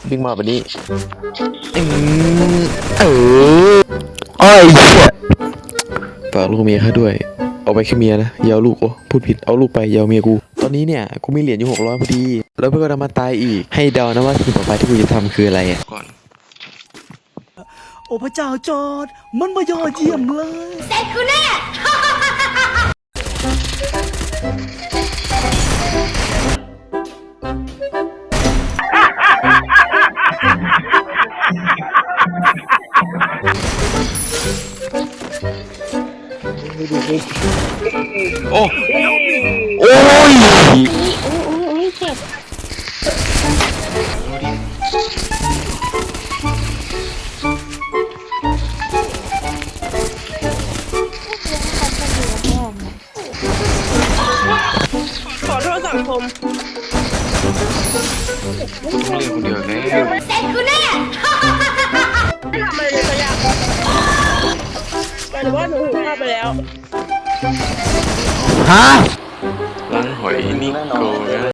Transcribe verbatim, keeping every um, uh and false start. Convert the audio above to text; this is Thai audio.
วิ่งมาแบบนี้อืมเออโอ้ยเหี้ยฝากลูกเมียข้าด้วยเอาไปแค่เมียนะอยาวลูกโอ้พูดผิดเอาลูกไปอยาวเมียกูตอนนี้เนี่ยกูมีเหรียญอยู่หกร้อยพอดีแล้วเพื่อนก็ทำมาตายอีกให้เดานะว่าสิ่งต่อไปที่กูจะทำคืออะไรอ่ะก่อนโอ้พระเจ้าจอร์ดมันมายอดเยี่ยมเลยเสร็จกูแน่โอ้โอ้ยโอ้โอ้ยเจ็บขอโทษสังคมต้องเรียนคนเดียวแน่เสร็จกูแน่ไม่ทำอะไรเลยสักอย่างแต่ว่าหนูหูข้าไปแล้วฮะล้างหอยนิโก้นะ